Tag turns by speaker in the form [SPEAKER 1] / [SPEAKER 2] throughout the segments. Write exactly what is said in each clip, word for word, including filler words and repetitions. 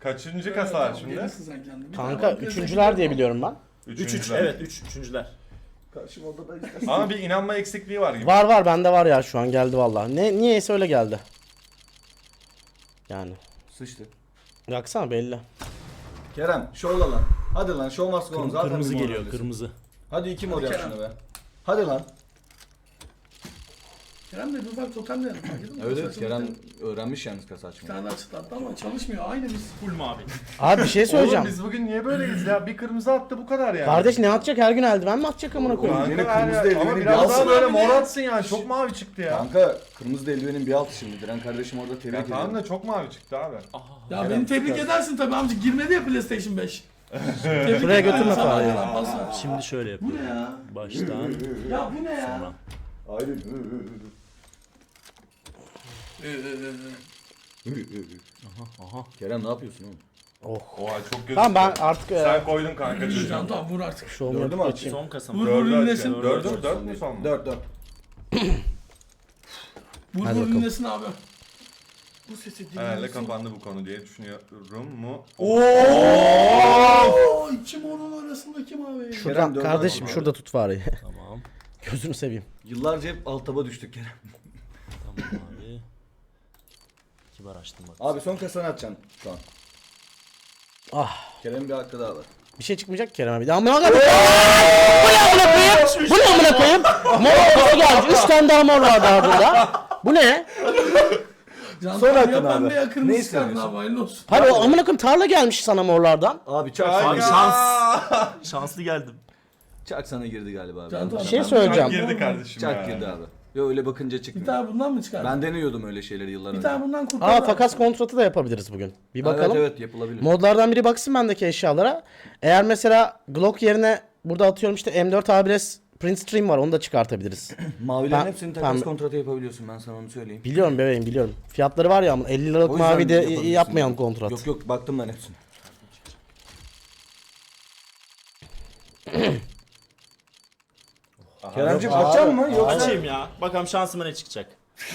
[SPEAKER 1] Kaçıncı kasa var şimdi?
[SPEAKER 2] Gelirsin sen kendin. Bir
[SPEAKER 3] Kanka
[SPEAKER 2] tane var,
[SPEAKER 3] üçüncüler diye biliyorum ben.
[SPEAKER 4] üç üç
[SPEAKER 1] Üçüncüler.
[SPEAKER 4] evet üç üçüncüler.
[SPEAKER 2] Karşım odada istersen.
[SPEAKER 1] Ama bir inanma eksikliği var gibi.
[SPEAKER 3] Var var bende var ya şu an geldi vallahi. Ne niyeyse öyle geldi. Yani.
[SPEAKER 5] Sıçtı.
[SPEAKER 3] Baksana belli.
[SPEAKER 5] Kerem şovla lan. Hadi lan show must go on. Zaten
[SPEAKER 4] Kırmızı
[SPEAKER 5] bir mor
[SPEAKER 4] geliyor
[SPEAKER 5] öylesin.
[SPEAKER 4] kırmızı.
[SPEAKER 5] Hadi iki mor yap
[SPEAKER 2] Kerem.
[SPEAKER 5] şunu be. Hadi lan.
[SPEAKER 2] Kerem de bir ufak totem de yapar.
[SPEAKER 5] Evet evet Kerem öğrenmiş yalnız kasa
[SPEAKER 2] Bir
[SPEAKER 5] açmayı.
[SPEAKER 2] tane açıklattı ama çalışmıyor. Aynı biz.
[SPEAKER 4] Full mavi.
[SPEAKER 3] Abi bir şey söyleyeceğim.
[SPEAKER 1] Oğlum biz bugün niye böyleyiz ya? Bir kırmızı attı bu kadar yani.
[SPEAKER 3] Kardeş ne atacak her gün eldiven mi atacak amına koyayım?
[SPEAKER 5] Oğlum, yine
[SPEAKER 1] Kanka
[SPEAKER 5] kırmızı
[SPEAKER 1] her-
[SPEAKER 5] eldiveni
[SPEAKER 1] Ama
[SPEAKER 5] bir
[SPEAKER 1] biraz
[SPEAKER 5] alsın
[SPEAKER 1] daha böyle
[SPEAKER 2] abi
[SPEAKER 1] mor
[SPEAKER 2] ne?
[SPEAKER 1] atsın yani. Çok mavi çıktı ya.
[SPEAKER 5] Kanka kırmızı da eldivenin bir altı şimdi. Diren kardeşim orada tebrik
[SPEAKER 1] Ya
[SPEAKER 5] ediyorum.
[SPEAKER 1] tamam da çok mavi çıktı abi.
[SPEAKER 2] Ya
[SPEAKER 5] Kerem,
[SPEAKER 2] beni tebrik
[SPEAKER 5] süper.
[SPEAKER 2] edersin tabii amca. Girmedi ya PlayStation beş. Tebrik
[SPEAKER 3] Şuraya
[SPEAKER 2] ederim
[SPEAKER 3] götürme
[SPEAKER 2] sana
[SPEAKER 3] parayı.
[SPEAKER 2] arkadan, basma.
[SPEAKER 4] Şimdi şöyle
[SPEAKER 2] Bu ne
[SPEAKER 4] yapıyorum.
[SPEAKER 2] ya?
[SPEAKER 4] Baştan
[SPEAKER 2] Ya bu ne ya?
[SPEAKER 4] sonra.
[SPEAKER 5] Aynen.
[SPEAKER 2] Ee, e, e, e.
[SPEAKER 4] Aha aha.
[SPEAKER 5] Kerem ne yapıyorsun oğlum?
[SPEAKER 3] Oh.
[SPEAKER 1] Oha çok gözüküyor.
[SPEAKER 3] Tamam ben artık e,
[SPEAKER 1] Sen koydun kanka
[SPEAKER 2] Can
[SPEAKER 1] çocuğum.
[SPEAKER 2] tamam vur artık.
[SPEAKER 3] şovumu
[SPEAKER 5] Dördü mü
[SPEAKER 3] yapıp
[SPEAKER 5] atayım?
[SPEAKER 3] geçeyim.
[SPEAKER 4] Son kasam.
[SPEAKER 2] Vur vur
[SPEAKER 1] Dördü
[SPEAKER 2] ünlesin.
[SPEAKER 1] açacağım. Dördü mü? Dört mü son mu?
[SPEAKER 5] Dört dört.
[SPEAKER 2] Vur
[SPEAKER 3] Hadi
[SPEAKER 2] vur
[SPEAKER 3] bakalım.
[SPEAKER 2] ünlesin abi. Bu sesi
[SPEAKER 1] Herhalde
[SPEAKER 2] dinlesin.
[SPEAKER 1] kapandı bu konu diye düşünüyorum mu?
[SPEAKER 2] Oo, iki morun arasındaki mavi.
[SPEAKER 3] Şuradan
[SPEAKER 5] Kerem, dördü
[SPEAKER 3] kardeşim
[SPEAKER 5] atayım
[SPEAKER 3] şurada tut bari.
[SPEAKER 4] Tamam.
[SPEAKER 3] Gözünü seveyim.
[SPEAKER 5] Yıllarca hep alt taba düştük Kerem.
[SPEAKER 4] Tamam abi. Kibar açtım bak.
[SPEAKER 5] Abi son kasanı atacaksın şu an.
[SPEAKER 3] Ah.
[SPEAKER 5] Kerem'in bir hakkı daha var.
[SPEAKER 3] Bir şey çıkmayacak ki Kerem abi. Ya amına koyayım. Bu ne amına koyayım? Bu ne amına koyayım? Mor kasa geldi. Üç tane daha mor var daha burada. Bu ne?
[SPEAKER 2] Can
[SPEAKER 5] Son
[SPEAKER 2] tamam
[SPEAKER 5] hakkın
[SPEAKER 2] ya
[SPEAKER 5] abi.
[SPEAKER 2] pembe ya
[SPEAKER 5] Ne
[SPEAKER 2] kırmızı çıkardın
[SPEAKER 5] istemiyorsun?
[SPEAKER 2] abi hayırlı olsun.
[SPEAKER 3] Hayır o amına koyayım tarla gelmiş sana morlardan.
[SPEAKER 5] Abi çak
[SPEAKER 1] Kanka.
[SPEAKER 5] sana.
[SPEAKER 4] Şans. Şanslı geldim.
[SPEAKER 5] Çak sana girdi galiba abi.
[SPEAKER 2] Can tamam.
[SPEAKER 3] Bir şey
[SPEAKER 2] pembe
[SPEAKER 3] söyleyeceğim.
[SPEAKER 2] kırmızı
[SPEAKER 1] Girdi
[SPEAKER 2] olmaz.
[SPEAKER 1] kardeşim
[SPEAKER 5] Çak
[SPEAKER 1] ya.
[SPEAKER 5] girdi abi. Yo öyle bakınca
[SPEAKER 2] Bir
[SPEAKER 5] çıkmıyor.
[SPEAKER 2] tane bundan mı çıkardın?
[SPEAKER 5] Ben deniyordum öyle şeyleri yıllar
[SPEAKER 2] Bir
[SPEAKER 5] önce.
[SPEAKER 2] tane bundan kurtar.
[SPEAKER 3] Aa
[SPEAKER 2] abi.
[SPEAKER 3] takas kontratı da yapabiliriz bugün. Bir bakalım.
[SPEAKER 5] Evet evet yapılabilir.
[SPEAKER 3] Modlardan biri baksın bendeki eşyalara. Eğer mesela Glock yerine burada atıyorum işte M dört A bir S Print Stream var onu da çıkartabiliriz.
[SPEAKER 5] Mavilerin
[SPEAKER 3] Ben-
[SPEAKER 5] hepsini takas
[SPEAKER 3] ben-
[SPEAKER 5] kontratı yapabiliyorsun ben sana onu söyleyeyim.
[SPEAKER 3] Biliyorum bebeğim biliyorum. Fiyatları var ya ama elli liralık
[SPEAKER 5] O yüzden
[SPEAKER 3] mavi de
[SPEAKER 5] yapabilirsin.
[SPEAKER 3] yapmayalım kontrat.
[SPEAKER 5] Yok yok baktım ben hepsine. Keremciğim
[SPEAKER 3] Yok,
[SPEAKER 5] açacak
[SPEAKER 3] abi.
[SPEAKER 5] mı yoksa
[SPEAKER 4] Açayım ya. Bakalım şansıma ne çıkacak.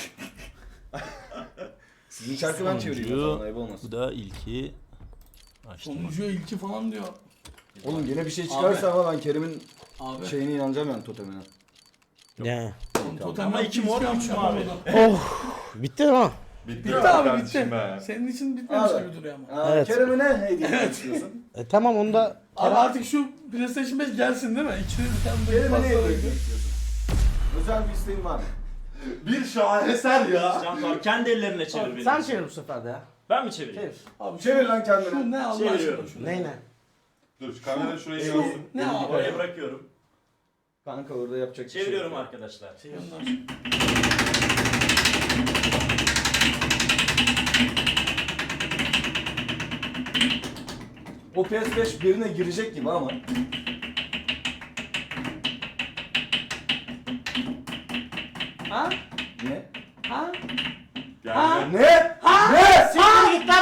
[SPEAKER 5] sizin şarkı ben çevireyim o zaman ayıp
[SPEAKER 4] Bu
[SPEAKER 5] olmasın.
[SPEAKER 4] da ilki. Açtım.
[SPEAKER 2] Sonucuya ilki falan diyor.
[SPEAKER 5] Oğlum yine bir şey çıkarsa ama ben Kerim'in
[SPEAKER 2] Abi.
[SPEAKER 5] şeyine inanacağım yani totemine.
[SPEAKER 3] Ne?
[SPEAKER 2] Totem
[SPEAKER 4] Ama
[SPEAKER 2] yaptı,
[SPEAKER 4] iki
[SPEAKER 2] hiç
[SPEAKER 4] mor,
[SPEAKER 2] yapmadı
[SPEAKER 4] üç mavi.
[SPEAKER 2] adam.
[SPEAKER 3] Oh. Bitti mi ha?
[SPEAKER 1] Bitti,
[SPEAKER 2] Bitti abi
[SPEAKER 1] kardeşim
[SPEAKER 2] bitti.
[SPEAKER 1] be.
[SPEAKER 2] Senin için bitmemiş
[SPEAKER 5] Abi.
[SPEAKER 2] gibi duruyor ama.
[SPEAKER 5] Aa,
[SPEAKER 3] Evet.
[SPEAKER 5] Kerem'e ne hediye etmek istiyorsun?
[SPEAKER 3] E tamam onu da
[SPEAKER 2] Abi artık şu PlayStation beş gelsin değil mi? İçine bir tane böyle
[SPEAKER 5] Kerem'e ne hediye
[SPEAKER 2] pasta
[SPEAKER 5] etmek istiyorsun? Özel bir isteğin var mı?
[SPEAKER 1] Bir şaheser ya.
[SPEAKER 4] Can abi kendi ellerine çevir beni.
[SPEAKER 3] sen çevir bu sefer de ya.
[SPEAKER 4] Ben mi çevireyim?
[SPEAKER 3] Çevir.
[SPEAKER 2] Abi
[SPEAKER 5] Çevir lan kendini.
[SPEAKER 2] Şu ne Allah aşkına
[SPEAKER 4] Çeviriyorum.
[SPEAKER 2] şu
[SPEAKER 3] Ne ne?
[SPEAKER 1] Dur şu kamera şurayı
[SPEAKER 2] Şu
[SPEAKER 1] görsün.
[SPEAKER 2] ne abi?
[SPEAKER 4] Oraya bırakıyorum.
[SPEAKER 5] Kanka orada yapacak bir şey
[SPEAKER 4] Çeviriyorum
[SPEAKER 5] yok.
[SPEAKER 4] arkadaşlar.
[SPEAKER 2] Yandan.
[SPEAKER 5] O P S beş birine girecek gibi ama.
[SPEAKER 2] Ha?
[SPEAKER 5] Ne?
[SPEAKER 2] Ha?
[SPEAKER 1] Geldi.
[SPEAKER 5] Ne? Ne?
[SPEAKER 3] Siktir git lan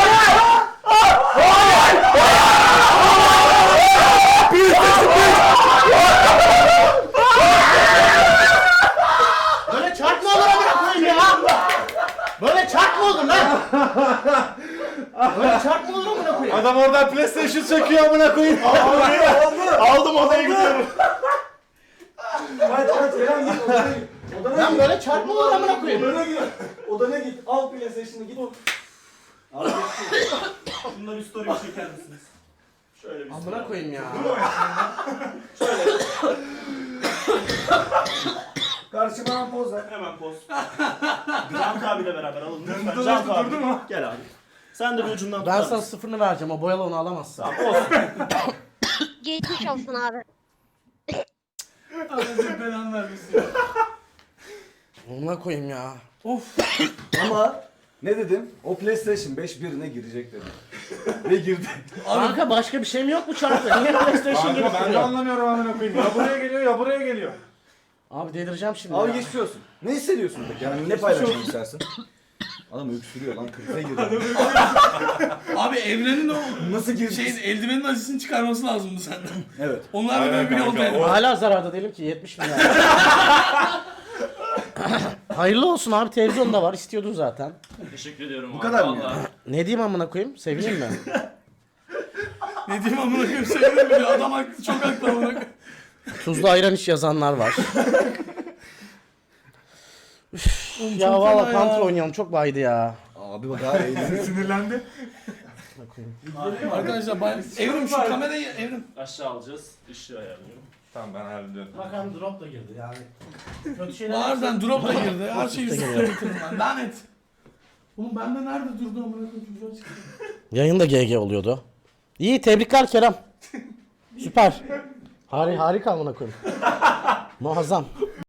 [SPEAKER 3] Böyle çark mı olur amına koyayım ya? Böyle çark mı olur lan? Böyle çark mı olur amına koyayım?
[SPEAKER 1] Adam oradan PlayStation çekiyor amına koyayım. Aldım odaya gidiyorum.
[SPEAKER 5] Kaç kaç Kerem git odana git. Odana
[SPEAKER 3] Lan
[SPEAKER 5] git.
[SPEAKER 3] böyle çark mı olur amına koyayım?
[SPEAKER 5] Odana git. Odana git. Al PlayStation'ı git. Al geçsin.
[SPEAKER 4] Bundan bir story bir çeker misiniz? Şöyle bir
[SPEAKER 3] Amına koyayım ya.
[SPEAKER 5] Karşıma poz ver.
[SPEAKER 4] Hemen poz. Can abiyle beraber alalım. Lütfen. Can abi. Durdu mu? Gel abi. Sen de bir ucundan
[SPEAKER 3] Ben
[SPEAKER 4] tutar
[SPEAKER 3] sana
[SPEAKER 4] mısın?
[SPEAKER 3] sıfırını vereceğim o boyalı onu alamazsın.
[SPEAKER 6] Geçmiş olsun abi.
[SPEAKER 2] Allah belanı vermesin ya.
[SPEAKER 3] Amına koyayım ya.
[SPEAKER 2] Of.
[SPEAKER 5] Ama ne dedim? O PlayStation beş birine girecek dedim. Ve girdi.
[SPEAKER 3] Kanka başka bir şey mi yok bu çarkta? Niye PlayStation gibi
[SPEAKER 1] Kanka ben de
[SPEAKER 3] duruyor?
[SPEAKER 1] anlamıyorum amına koyayım. Ya buraya geliyor ya buraya geliyor.
[SPEAKER 3] Abi delireceğim şimdi
[SPEAKER 5] Abi
[SPEAKER 3] ya.
[SPEAKER 5] geçmiş olsun. Ne hissediyorsun peki? Yani ne paylaşmak istersin? Adam öksürüyor lan krize girdi.
[SPEAKER 2] Abi evrenin o
[SPEAKER 5] Nasıl girdi?
[SPEAKER 2] şeyin eldivenin acısını çıkarması lazımdı senden.
[SPEAKER 5] Evet.
[SPEAKER 2] Onlar da
[SPEAKER 1] Aynen
[SPEAKER 2] böyle bir yol
[SPEAKER 1] kanka,
[SPEAKER 2] denedim.
[SPEAKER 1] o-
[SPEAKER 3] Hala zararda değilim ki yetmiş bin lira. Hayırlı olsun abi, televizyonda var, istiyordun zaten.
[SPEAKER 4] Teşekkür ediyorum
[SPEAKER 5] Bu
[SPEAKER 4] abi.
[SPEAKER 5] kadar mı ya?
[SPEAKER 4] Vallahi.
[SPEAKER 3] Ne diyeyim amına koyayım? Sevineyim mi?
[SPEAKER 2] Ne diyeyim amına koyayım, sevdim bile. Adam haklı, çok haklı amına koyayım.
[SPEAKER 3] Tuzlu ayran iç yazanlar var. Üf,
[SPEAKER 2] Oğlum
[SPEAKER 3] ya
[SPEAKER 2] çok
[SPEAKER 3] valla
[SPEAKER 2] fena
[SPEAKER 3] Counter
[SPEAKER 2] ya.
[SPEAKER 3] oynayalım, çok baydı ya.
[SPEAKER 5] Abi bak daha eğlenceli.
[SPEAKER 1] Sinirlendi.
[SPEAKER 2] Arkadaşlar ben... Evrim şu kamerayı evrim.
[SPEAKER 4] Aşağı alacağız. Işığı ayarlıyorum.
[SPEAKER 1] Tamam ben hallediyorum.
[SPEAKER 3] Bakalım drop da girdi yani. Kötü şeyler.
[SPEAKER 2] Harbiden drop da girdi. Her şeyi
[SPEAKER 3] Drop da
[SPEAKER 2] üstüne
[SPEAKER 3] geliyor.
[SPEAKER 2] bitirdim ben. Lanet. Oğlum bende nerede durdu amına koyayım, çocuğa çıktı.
[SPEAKER 3] Yayında G G oluyordu. İyi, tebrikler Kerem. Süper. Hari harika amına koyayım. Muazzam.